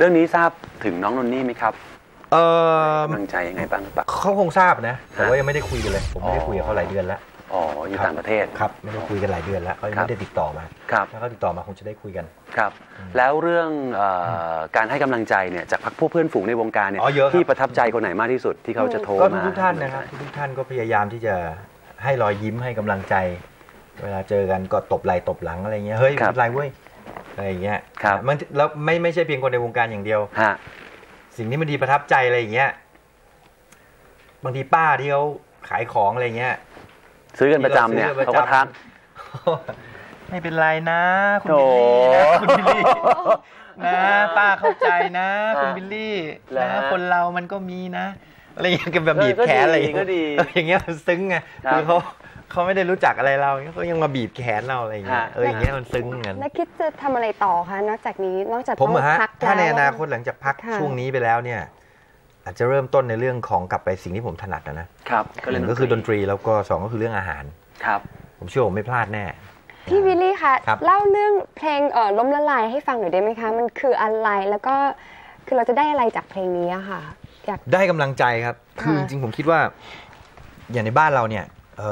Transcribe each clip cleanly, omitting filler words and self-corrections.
รื่องนี้ทราบถึงน้องนนนี่ไหมครับกำลังใจยังไงบ้างครับเขาคงทราบนะแต่ว่ายังไม่ได้คุยกันเลยผมไม่ได้คุยกับเขาหลายเดือนแล้วอ๋ออยู่ต่างประเทศครับไม่ได้คุยกันหลายเดือนแล้วเขาไม่ได้ติดต่อมาถ้าเขาติดต่อมาคงจะได้คุยกันครับแล้วเรื่องการให้กำลังใจเนี่ยจากพวกเพื่อนฝูงในวงการเนี่ยที่ประทับใจคนไหนมากที่สุดที่เขาจะโทรมาทุกท่านนะครับทุกท่านก็พยายามที่จะให้รอยยิ้มให้กำลังใจเวลาเจอกันก็ตบไหล่ตบหลังอะไรเงี้ยเฮ้ยเป็นไรเว้ยอะไรอย่างเงี้ยมันแล้วไม่ใช่เพียงคนในวงการอย่างเดียวสิ่งที่มันดีประทับใจอะไรอย่างเงี้ยบางทีป้าที่เขาขายของอะไรเงี้ยซื้อกันประจำเนี่ยเขาก็ทักไม่เป็นไรนะคุณบิลลี่นะคุณบิลลี่นะป้าเข้าใจนะคุณบิลลี่นะคนเรามันก็มีนะอะไรอย่างเงี้ยแบบบีบแขนอะไรอย่างเงี้ยมันซึ้งไงคือเขาไม่ได้รู้จักอะไรเราเขายังมาบีบแขนเราอะไรอย่างเงี้ยอย่างเงี้ยมันซึ้งเงี้ยแล้วคิดจะทำอะไรต่อคะนอกจากนี้นอกจากผมพักถ้าในอนาคตหลังจากพักช่วงนี้ไปแล้วเนี่ยอาจจะเริ่มต้นในเรื่องของกลับไปสิ่งที่ผมถนัดนะครับก็คือดนตรีแล้วก็2ก็คือเรื่องอาหารครับผมเชื่อผมไม่พลาดแน่พี่วิลลี่คะเล่าเรื่องเพลงล้มละลายให้ฟังหน่อยได้ไหมคะมันคืออะไรแล้วก็คือเราจะได้อะไรจากเพลงนี้ค่ะอยากได้กำลังใจครับคือจริงๆผมคิดว่าอย่างในบ้านเราเนี่ย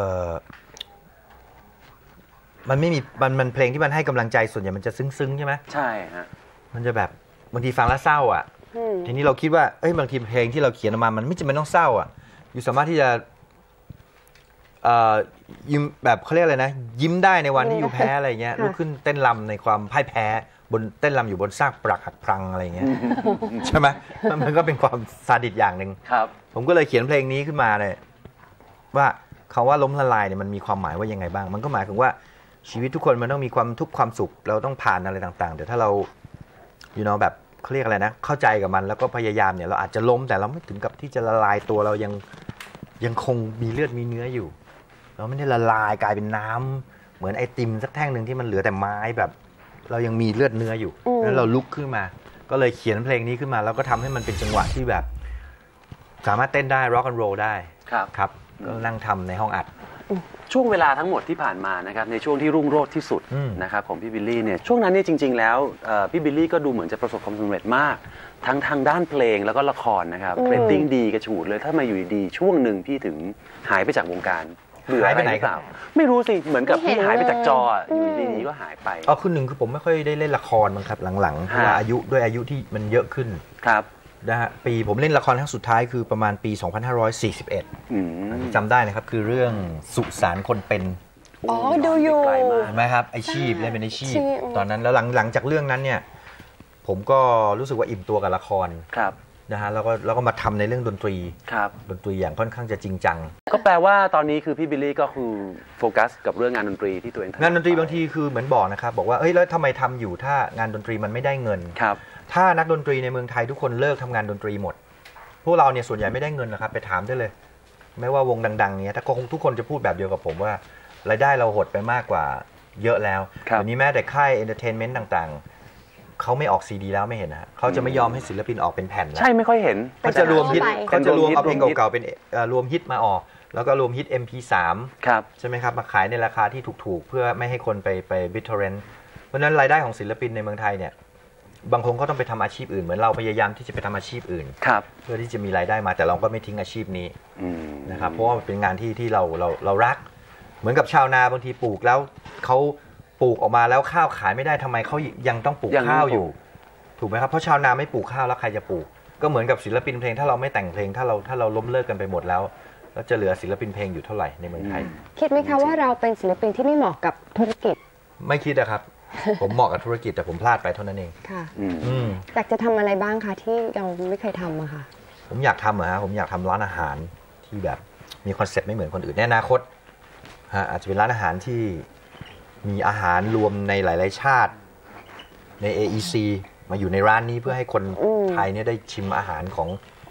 มันไม่มีมันเพลงที่มันให้กำลังใจส่วนใหญ่มันจะซึ้งๆใช่ไหมใช่ฮะมันจะแบบบางทีฟังแล้วเศร้าอ่ะทีนี้เราคิดว่าบางทีเพลงที่เราเขียนออกมามันไม่จำเป็นต้องเศร้าอ่ะอยู่สามารถที่จะยิ้มแบบเขาเรียกอะไรนะยิ้มได้ในวันที่อยู่แพ้อะไรเงี้ยลุกขึ้นเต้นรำในความพ่ายแพ้บนเต้นรำอยู่บนซากปรักหักพังอะไรเงี้ยใช่ไหมมันก็เป็นความซาดิสอย่างหนึ่งผมก็เลยเขียนเพลงนี้ขึ้นมาเลยว่าคำว่าล้มละลายเนี่ยมันมีความหมายว่ายังไงบ้างมันก็หมายถึงว่าชีวิตทุกคนมันต้องมีความทุกข์ความสุขเราต้องผ่านอะไรต่างๆเดี๋ยวถ้าเราแบบเขาเรียกอะไรนะเข้าใจกับมันแล้วก็พยายามเนี่ยเราอาจจะล้มแต่เราไม่ถึงกับที่จะละลายตัวเรายังคงมีเลือดมีเนื้ออยู่เราไม่ได้ละลายกลายเป็นน้ำเหมือนไอติมสักแท่งหนึ่งที่มันเหลือแต่ไม้แบบเรายังมีเลือดเนื้ออยู่แล้วเราลุกขึ้นมาก็เลยเขียนเพลงนี้ขึ้นมาแล้วก็ทำให้มันเป็นจังหวะที่แบบสามารถเต้นได้ร็อกแอนด์โรลได้ครับก็นั่งทำในห้องอัดช่วงเวลาทั้งหมดที่ผ่านมานะครับในช่วงที่รุ่งโรจน์ที่สุดนะครับของพี่บิลลี่เนี่ยช่วงนั้นเนี่ยจริงๆแล้วพี่บิลลี่ก็ดูเหมือนจะประสบความสำเร็จมากทั้งทางด้านเพลงแล้วก็ละครนะครับเรตติ้งดีกระฉูดเลยถ้ามาอยู่ดีๆช่วงหนึ่งพี่ถึงหายไปจากวงการเบื่ออะไรหรือเปล่าไม่รู้สิเหมือนกับพี่หายไปจากจออยู่ดีๆก็หายไปคือหนึ่งคือผมไม่ค่อยได้เล่นละครมั้งครับหลังๆเพราะว่าอายุที่มันเยอะขึ้นครับนะฮะปีผมเล่นละครครั้งสุดท้ายคือประมาณปี 2541จำได้นะครับคือเรื่องสุสานคนเป็นดูอยู่เห็นไหมครับไอชีพเล่นเป็นไอชีพตอนนั้นแล้วหลังจากเรื่องนั้นเนี่ยผมก็รู้สึกว่าอิ่มตัวกับละครนะฮะแล้วก็มาทำในเรื่องดนตรีดนตรีอย่างค่อนข้างจะจริงจังก็แปลว่าตอนนี้คือพี่บิลลี่ก็คือโฟกัสกับเรื่องงานดนตรีที่ตัวเองทำงานดนตรีบางทีคือเหมือนบอกนะครับบอกว่าแล้วทำไมทำอยู่ถ้างานดนตรีมันไม่ได้เงินถ้านักดนตรีในเมืองไทยทุกคนเลิกทำงานดนตรีหมดพวกเราเนี่ยส่วนใหญ่ไม่ได้เงินนะครับไปถามได้เลยไม่ว่าวงดังๆเนี่ยถ้าทุกคนจะพูดแบบเดียวกับผมว่ารายได้เราหดไปมากกว่าเยอะแล้ววันนี้แม้แต่ค่ายเอนเตอร์เทนเมนต์ต่างๆเขาไม่ออกซีดีแล้วไม่เห็นนะเขาจะไม่ยอมให้ศิลปินออกเป็นแผ่นแล้วใช่ไม่ค่อยเห็นเขาจะรวมฮิตเอาเพลงเก่าๆเป็นรวมฮิตมาออกแล้วก็รวมฮิต MP3 ใช่ไหมครับมาขายในราคาที่ถูกๆเพื่อไม่ให้คนไปบิทเทอร์เรนต์เพราะนั้นรายได้ของศิลปินในเมืองไทยเนี่ยบางคนก็ต้องไปทำอาชีพอื่นเหมือนเราพยายามที่จะไปทำอาชีพอื่นเพื่อที่จะมีรายได้มาแต่เราก็ไม่ทิ้งอาชีพนี้นะครับเพราะว่าเป็นงานที่เรารักเหมือนกับชาวนาบางทีปลูกแล้วเขาปลูกออกมาแล้วข้าวขายไม่ได้ทำไมเขายังต้องปลูกข้าวอยู่ถูกไหมครับเพราะชาวนาไม่ปลูกข้าวแล้วใครจะปลูกก็เหมือนกับศิลปินเพลงถ้าเราไม่แต่งเพลงถ้าเราล้มเลิกกันไปหมดแล้วจะเหลือศิลปินเพลงอยู่เท่าไหร่ในเมืองไทยคิดไหมคะว่าเราเป็นศิลปินที่ไม่เหมาะกับธุรกิจไม่คิดนะครับผมเหมาะกับธุรกิจแต่ผมพลาดไปเท่านั้นเองค่ะอยากจะทำอะไรบ้างคะที่เราไม่เคยทำอะค่ะผมอยากทำผมอยากทำร้านอาหารที่แบบมีคอนเซ็ปต์ไม่เหมือนคนอื่นในอนาคตอาจจะเป็นร้านอาหารที่มีอาหารรวมในหลายๆชาติใน AEC มาอยู่ในร้านนี้เพื่อให้คนไทยเนี่ยได้ชิมอาหารของ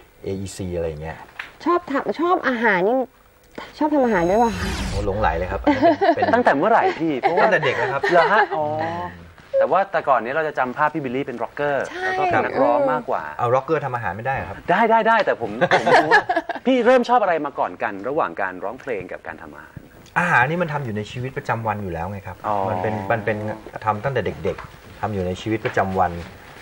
AEC อะไรอย่างเงี้ยชอบอาหารนี่ชอบทำอาหารด้วยป่ะโอ้หลงไหลเลยครับตั้งแต่เมื่อไหร่พี่เพราะว่าตั้งแต่เด็กนะครับเหรอฮะแต่ว่าแต่ก่อนนี้เราจะจำภาพพี่บิลลี่เป็นร็อกเกอร์แล้วก็เป็นนักร้องมากกว่าเอาร็อกเกอร์ทำอาหารไม่ได้ครับได้แต่ผมรู้ว่าพี่เริ่มชอบอะไรมาก่อนกันระหว่างการร้องเพลงกับการทำอาหารนี่มันทำอยู่ในชีวิตประจำวันอยู่แล้วไงครับมันเป็นทำตั้งแต่เด็กๆทำอยู่ในชีวิตประจำวัน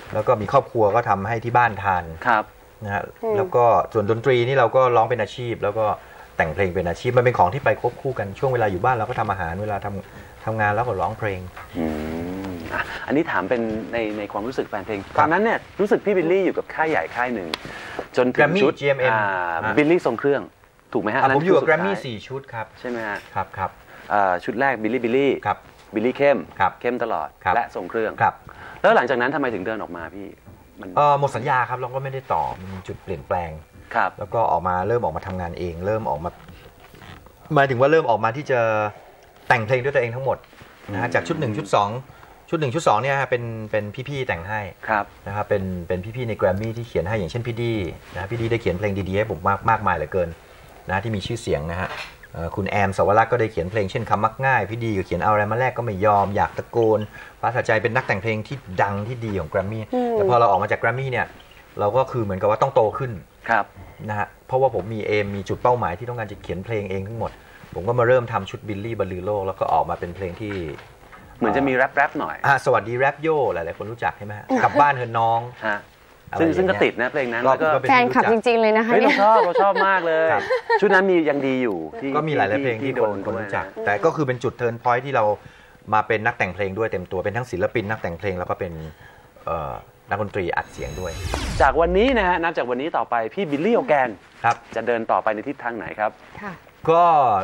แล้วก็มีครอบครัวก็ทำให้ที่บ้านทานครับนะฮะแล้วก็ส่วนดนตรีนี่เราก็ร้องเป็นอาชีพ แล้วก็แต่งเพลงเป็นอาชีพมันเป็นของที่ไปควบคู่กันช่วงเวลาอยู่บ้านเราก็ทำอาหารเวลาทำงานแล้วก็ร้องเพลงอันนี้ถามเป็นในความรู้สึกแฟนเพลงตอนนั้นเนี่ยรู้สึกพี่บิลลี่อยู่กับค่ายใหญ่ค่ายหนึ่งจนถึงชุด GMM บิลลี่ทรงเครื่องถูกไหมฮะผมอยู่กับแกรมมี่4ชุดครับใช่ไหมฮะครับชุดแรกบิลลี่ครับบิลลี่เข้มครับเข้มตลอดและทรงเครื่องครับแล้วหลังจากนั้นทำไมถึงเดินออกมาพี่หมดสัญญาครับเราก็ไม่ได้ต่อมันมีจุดเปลี่ยนแปลงครับแล้วก็เริ่มออกมาทำงานเองเริ่มออกมาหมายถึงว่าเริ่มออกมาที่จะแต่งเพลงด้วยตัวเองทั้งหมดนะฮะจากชุด1ชุด2ชุด1ชุด2เนี่ยเป็นพี่ๆแต่งให้นะครับเป็นพี่ๆในแกรมมี่ที่เขียนให้อย่างเช่นพี่ดีนะพี่ดีได้เขียนเพลงดีๆให้ผมมากมายเหลือเกินนะที่มีชื่อเสียงนะฮะคุณแอมสวรักษ์ก็ได้เขียนเพลงเช่นคำมักง่ายพี่ดีก็เขียนเอาอะไรมาแลกก็ไม่ยอมอยากตะโกนฟ้าสะใจเป็นนักแต่งเพลงที่ดังที่ดีของแกรมมี่แต่พอเราออกมาจากแกรมมี่เนี่ยเราก็คือเหมือนกับว่าต้องโตขึ้นนะฮะเพราะว่าผมมีจุดเป้าหมายที่ต้องการจะเขียนเพลงเองทั้งหมดผมก็มาเริ่มทำชุดบิลลี่บรรลือโลกแล้วก็ออกมาเป็นเพลงที่เหมือนจะมีแรปหน่อยสวัสดีแรปโย่หลายๆคนรู้จักใช่ไหมกลับบ้านเถอะน้องซึ่งก็ติดนะเพลงนั้นแล้วก็แฟนคลับจริงๆเลยนะคะเราชอบมากเลยชุดนั้นมียังดีอยู่ก็มีหลายๆเพลงที่คนรู้จักแต่ก็คือเป็นจุดเทิร์นพอยท์ที่เรามาเป็นนักแต่งเพลงด้วยเต็มตัวเป็นทั้งศิลปินนักแต่งเพลงแล้วก็เป็นนักดนตรีอัดเสียงด้วยจากวันนี้นะฮะนับจากวันนี้ต่อไปพี่บิลลี่โอแกนจะเดินต่อไปในทิศทางไหนครับก็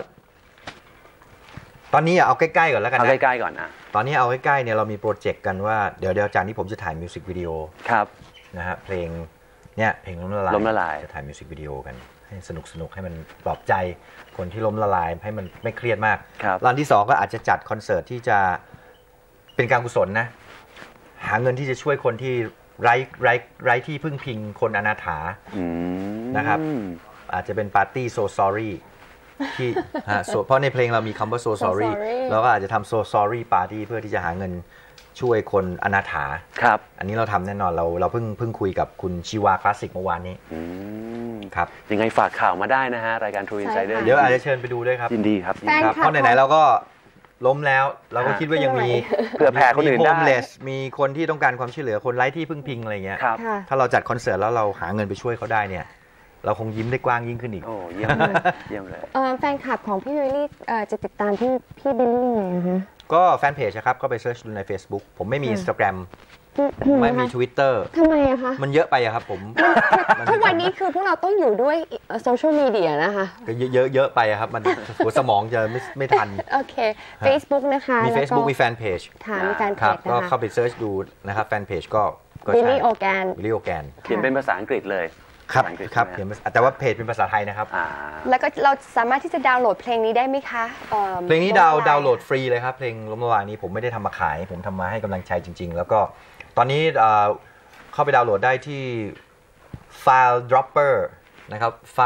ตอนนี้เอาใกล้ๆก่อนแล้วกันนะเอาใกล้ๆก่อนนะตอนนี้เอาใกล้ๆเนี่ยเรามีโปรเจกต์กันว่าเดี๋ยวจากนี้ผมจะถ่ายมิวสิกวิดีโอนะฮะเพลงเนี่ยเพลงล้มละลายจะถ่ายมิวสิกวิดีโอกันให้สนุกให้มันปลอบใจคนที่ล้มละลายให้มันไม่เครียดมากร้านที่2ก็อาจจะจัดคอนเสิร์ตที่จะเป็นการกุศลนะหาเงินที่จะช่วยคนที่ไร้ที่พึ่งพิงคนอนาถานะครับอาจจะเป็นปาร์ตี้โซซอรี่ที่เพราะในเพลงเรามีคำว่า so sorry เราก็อาจจะทำ so sorry party เพื่อที่จะหาเงินช่วยคนอนาถาอันนี้เราทำแน่นอนเราเพิ่งคุยกับคุณชีวาคลาสสิกเมื่อวานนี้ครับยังไงฝากข่าวมาได้นะฮะรายการ True Insider เดี๋ยวอาจจะเชิญไปดูด้วยครับยินดีครับเพราะไหนๆเราก็ล้มแล้วเราก็คิดว่ายังมีเพื่อแผ่คนอื่นได้มีคนที่ต้องการความช่วยเหลือคนไร้ที่พึ่งพิงอะไรเงี้ยถ้าเราจัดคอนเสิร์ตแล้วเราหาเงินไปช่วยเขาได้เนี่ยเราคงยิ้มได้กว้างยิ่งขึ้นอีกโอ้เยี่ยมเลยแฟนคลับของพี่บิลลี่จะติดตามพี่บิลลี่ไงนะคะก็แฟนเพจครับก็ไปเซิร์ชดูใน Facebook ผมไม่มี Instagram ไม่มี Twitter ทำไมอะคะมันเยอะไปอะครับผมทุกวันนี้คือพวกเราต้องอยู่ด้วยโซเชียลมีเดียนะคะก็เยอะไปอะครับมันหัวสมองจะไม่ทันโอเค Facebook นะคะมี Facebook มีแฟนเพจมีแฟนเพจก็เข้าไปเซิร์ชดูนะครับแฟนเพจก็บิลลี่โอแกนเขียนเป็นภาษาอังกฤษเลยครับแต่ว่าเพจเป็นภาษาไทยนะครับแล้วก็เราสามารถที่จะดาวน์โหลดเพลงนี้ได้ไหมคะเพลงนี้ดาวน์โหลดฟรีเลยครับเพลงล้มละลายนี้ผมไม่ได้ทำมาขายผมทำมาให้กำลังใจจริงๆแล้วก็ตอนนี้เข้าไปดาวน์โหลดได้ที่ file dropper นะครับ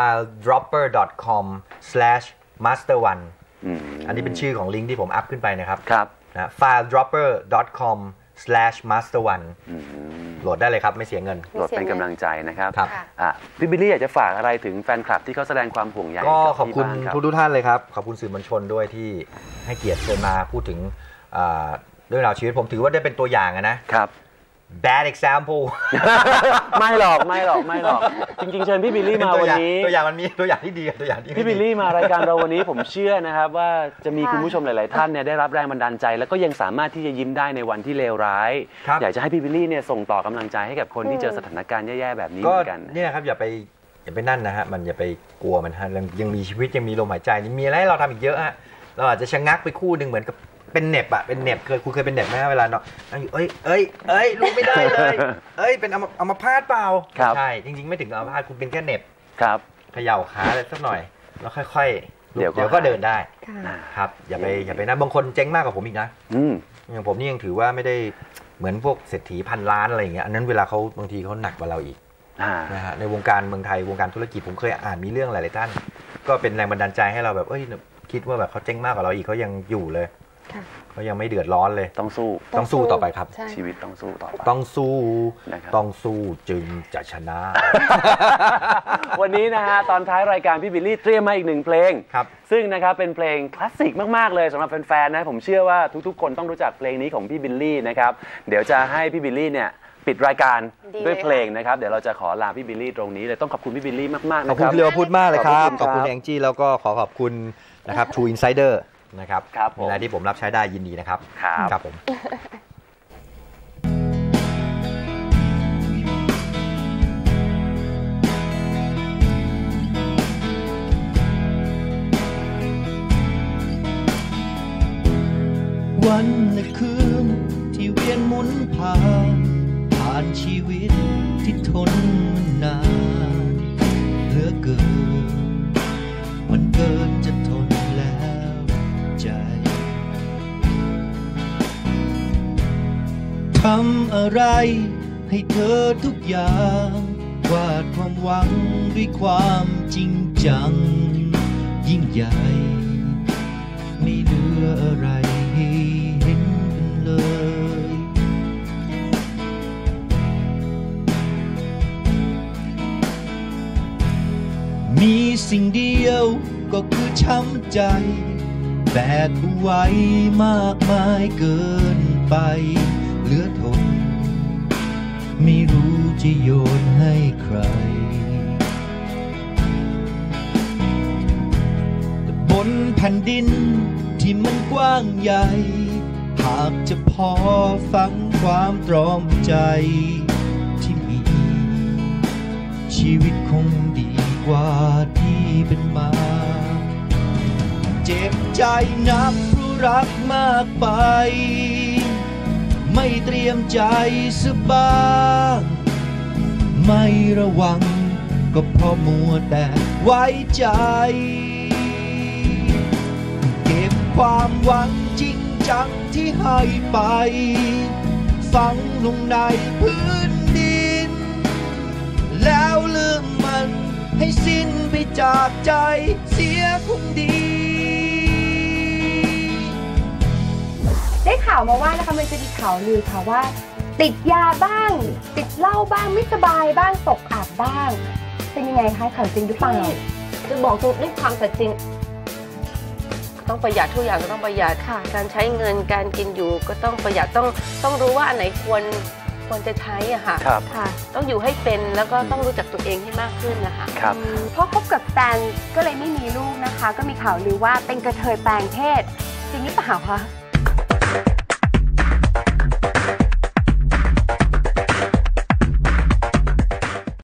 filedropper.com/master1 อันนี้เป็นชื่อของลิงก์ที่ผมอัพขึ้นไปนะครับนะ filedropper.com/master1 โหลดได้เลยครับไม่เสียเงินโหลดเป็นกำลังใจนะครับพี่บิลลี่อยากจะฝากอะไรถึงแฟนคลับที่เขาแสดงความห่วงใยก็ขอบคุณทุกท่านเลยครับขอบคุณสื่อมวลชนด้วยที่ให้เกียรติเชิญมาพูดถึงเรื่องราวชีวิตผมถือว่าได้เป็นตัวอย่างนะครับ bad example ไม่หรอกจริงๆเชิญพี่บิลลี่มาวันนี้ตัวอย่างมันมีตัวอย่างที่ดีตัวอย่างที่พี่บิลลี่มารายการเราวันนี้ผมเชื่อนะครับว่าจะมีคุณผู้ชมหลายๆท่านเนี่ยได้รับแรงบันดาลใจแล้วก็ยังสามารถที่จะยิ้มได้ในวันที่เลวร้ายอยากจะให้พี่บิลลี่เนี่ยส่งต่อกำลังใจให้กับคนที่เจอสถานการณ์แย่ๆแบบนี้เหมือนกันเนี่ยครับอย่าไปนั่นนะฮะมันอย่าไปกลัวมันฮะยังมีชีวิตยังมีลมหายใจมีอะไรให้เราทำอีกเยอะฮะเราอาจจะชะงักไปคู่หนึ่งเหมือนกับเป็นเน็บอะเป็นเน็บคุณเคยเป็นเน็บไหมเวลาเนาะนั่งอยู่ลุกไม่ได้เลยเป็นอัมพาตเปล่าใช่จริงๆไม่ถึงอัมพาตคุณเป็นแค่เน็บเขย่าขาอะไรสักหน่อยแล้วค่อยๆเดี๋ยวก็เดินได้ครับอย่าไปนะบางคนเจ๊งมากกว่าผมอีกนะอย่างผมนี่ยังถือว่าไม่ได้เหมือนพวกเศรษฐีพันล้านอะไรอย่างเงี้ยอันนั้นเวลาเขาบางทีเขาหนักกว่าเราอีกนะฮะในวงการเมืองไทยวงการธุรกิจผมเคยอ่านมีเรื่องหลายๆท่านก็เป็นแรงบันดาลใจให้เราแบบคิดว่าแบบเขาเจ๊งมากกว่าเราอีกเขายังอยู่เลยเขายังไม่เดือดร้อนเลยต้องสู้ต่อไปครับชีวิตต้องสู้ต่อไปต้องสู้จึงจะชนะวันนี้นะฮะตอนท้ายรายการพี่บิลลี่เตรียมมาอีกหนึ่งเพลงซึ่งนะครับเป็นเพลงคลาสสิกมากๆเลยสำหรับแฟนๆนะผมเชื่อว่าทุกๆคนต้องรู้จักเพลงนี้ของพี่บิลลี่นะครับเดี๋ยวจะให้พี่บิลลี่เนี่ยปิดรายการด้วยเพลงนะครับเดี๋ยวเราจะขอลาพี่บิลลี่ตรงนี้เลยต้องขอบคุณพี่บิลลี่มากๆขอบคุณนะครับเรียวพูดมากเลยครับขอบคุณแองจี้แล้วก็ขอบคุณนะครับ True Insider นะครับมีอะไรที่ผมรับใช้ได้ยินดีนะครับครับผมวันและคืนที่เวียนหมุนผ่านชีวิตที่ทนนานเหลือเกินมันเกินจะทนแล้วใจทำอะไรให้เธอทุกอย่างวาดความหวังด้วยความจริงจังยิ่งใหญ่ไม่เหลืออะไรให้เห็นกันเลยมีสิ่งเดียวก็คือช้ำใจแบกเอาไว้มากมายเกินไปเหลือทนไม่รู้จะโยนให้ใครแต่บนแผ่นดินที่มันกว้างใหญ่หากจะพอฟังความตรอมใจที่มีชีวิตคงดีกว่าที่เป็นมาเจ็บใจนักเพราะรักมากไปไม่เตรียมใจสบายไม่ระวังก็เพราะมัวแต่ไว้ใจเก็บความหวังจริงจังที่ให้ไปฝังลงในพื้นดินแล้วลืมมันให้สิ้นไปจากใจเสียคงดีได้ข่าวมาว่านะคะมันจะมีข่าวลือค่ะว่าติดยาบ้างติดเหล้าบ้างไม่สบายบ้างตกอับบ้างเป็นยังไงคะข่าวจริงหรือเปล่าจะบอกด้วยความสัตย์จริงต้องประหยัดทุกอย่างก็ต้องประหยัดค่ะการใช้เงินการกินอยู่ก็ต้องประหยัดต้องรู้ว่าอันไหนควรจะใช้อะค่ะต้องอยู่ให้เป็นแล้วก็ต้องรู้จักตัวเองให้มากขึ้นนะคะเพราะคบกับแฟนก็เลยไม่มีลูกนะคะก็มีข่าวลือว่าเป็นกระเทยแปลงเพศจริงหรือเปล่าคะ